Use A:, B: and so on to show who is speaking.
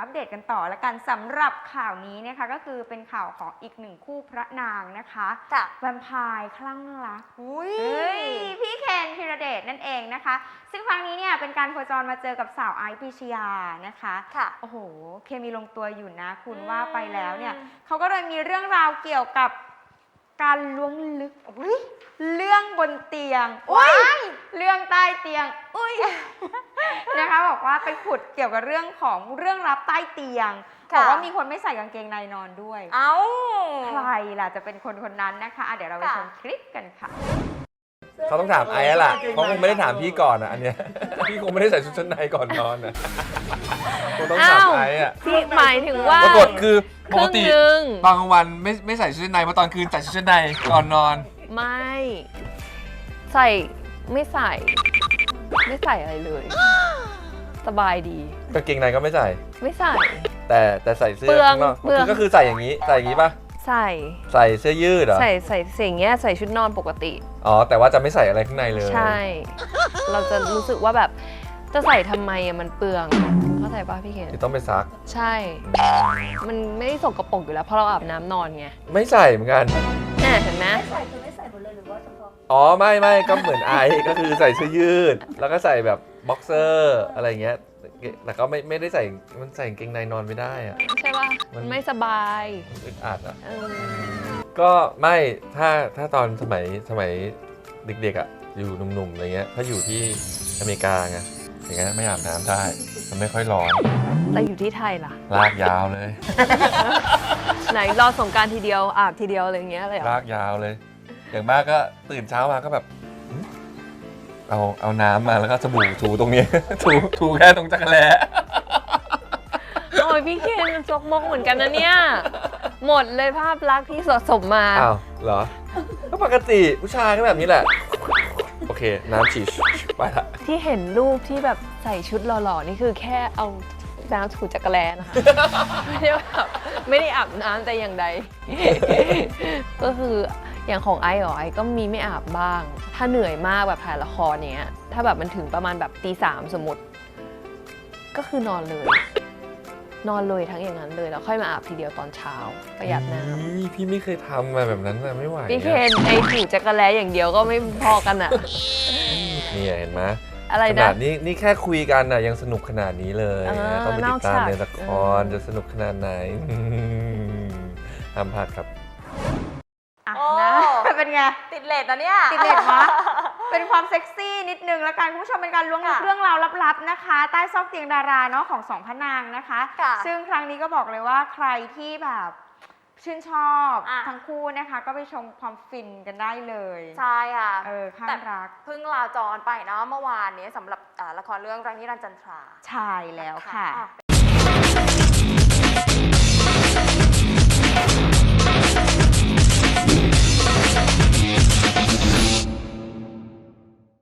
A: ปเดตกันต่อแล้วกันสำหรับข่าวนี้นะคะก็คือเป็นข่าวของอีกหนึ่งคู่พระนางนะคะแวมไพร์คลั่งรักพี่เคนธีรเดชนั่นเองนะคะซึ่งครั้งนี้เนี่ยเป็นการโคจรมาเจอกับสาวไอซ์ปรีชยานะคะโอ้โหเคมีลงตัวอยู่นะคุณว่าไปแล้วเนี่ยเขาก็เลยมีเรื่องราวเกี่ยวกับการล้วงลึกเรื่องบนเตียงเรื่องใต้เตียงนะคะบอกว่าไปขุดเกี่ยวกับเรื่องของเรื่องลับใต้เตียงบอกว่ามีคนไม่ใส่กางเกงในนอนด้วยใครล่ะจะเป็นคนนั้นนะคะเดี๋ยวเราไปชมคลิปกันค่ะ
B: เขาต้องถามไอ้ล่ะเขาคงไม่ได้ถามพี่ก่อนอันเนี้ยพี่คงไม่ได้ใส่ชุดชั้นในก่อนนอนนะคงต้องถามไอ้อะ
C: พี่หมายถึงว่า
B: ปรากฏคือปกติ
C: ต
B: อนกลางวันไม่ใส่ชุดชั้นในเพราะตอนคืนใส่ชุดชั้นในก่อนนอน
C: ไม่ใส่ไม่ใส่อะไรเลยสบายดี
B: กางเกงในก็ไม่ใส่แต่ใส่เสื้อข้างนอกก็คือใส่อย่างนี้ป่ะใส่เสื้อยืดเหรอ
C: ใส่สิ่งเงี้ยใส่ชุดนอนปกติ
B: อ๋อแต่ว่าจะไม่ใส่อะไรข้างในเลย
C: ใช่เราจะรู้สึกว่าแบบจะใส่ทำไมอะมันเปลืองเข้าใจป่ะพี่เคน
B: ต้องไปซัก
C: ใช่มันไม่ได้สกปรกอยู่แล้วเพราะเราอาบน้ำนอนไง
B: ไม่ใส่เหมือนกัน
C: เห็นไหม
D: ไม่ใส่หมดเลยหรือว่าเฉพาะ
B: อ๋อไม่ก็เหมือนไอก็คือใส่เสื้อยืดแล้วก็ใส่แบบบ็อกเซอร์อะไรเงี้ยแต่ก็ไม่ได้ใส่มันใส่กางเกงในนอนไม่ได้อะ
C: ใช่ป่ะมันไม่สบาย
B: อึดอัดอ่ะก็ไม่ถ้าตอนสมัยเด็กๆอ่ะอยู่หนุ่มๆอะไรเงี้ยถ้าอยู่ที่อเมริกาไงอย่างเงี้ยไม่อาบน้ำได้มันไม่ค่อยร้อน
C: แล้วอยู่ที่ไทยล่ะ
B: ลากยาวเลย
C: ไหนรอสงกรานต์ทีเดียวอาบทีเดียวอะไรเงี้ยเลย
B: ลากยาวเลยอย่างมากก็ตื่นเช้ามาก็แบบเอาน้ำมาแล้วก็สบู่ถูตรงนี้ ถูแค่ตรงจักรแล้
C: โอ้ยพี่เคนมันจกมกเหมือนกันนะเนี่ยหมดเลยภาพลักษณ์ที่สะสมมา
B: อ้าวเหรอก็ปกติผู้ชายก็แบบนี้แหละโอเคน้ำฉีดไปละ
C: ที่เห็นรูปที่แบบใส่ชุดหล่อๆนี่คือแค่เอาน้ำถูจักรแล้นะคะไม่ได้อาบน้ำแต่อย่างใดก็คืออย่างของไอก็มีไม่อาบบ้างถ้าเหนื่อยมากแบบถ่ายละครเนี้ยถ้าแบบมันถึงประมาณแบบตี 3สมมติก็คือนอนเลยทั้งอย่างนั้นเลยแล้วค่อยมาอาบทีเดียวตอนเช้าประหยัดน้
B: ำพี่ไม่เคยทำมาแบบนั้นไม่ไหว
C: พี่เคนไอถูจักรแล้อย่างเดียวก็ไม่พอกันอ่ะ
B: นี่เห็นไหม
C: อะไรนะ
B: ขนาดนี่แค่คุยกันน่ะยังสนุกขนาดนี้เลยต้องไปติดตามในละครจะสนุกขนาดไหนห้ามพลาดครับ
A: นะเป็นไง
D: ติดเลทนะเนี่ย
A: ติดเลทมะเป็นความเซ็กซี่นิดนึงแล้วกันคุณผู้ชมเป็นการล้วงลึกเรื่องราวลับๆนะคะใต้ซอกเตียงดาราเนาะของสองพระนางนะคะซึ่งครั้งนี้ก็บอกเลยว่าใครที่แบบชื่นชอบทั้งคู่นะคะก็ไปชมความฟินกันได้เลย
D: ใช่ค่ะ
A: ข้างรัก
D: เพิ่งลาจรไปเนาะเมื่อวานนี้สำหรับละครเรื่องรักนิรันดร์จันทรา
A: ใช่แล้วค่ะ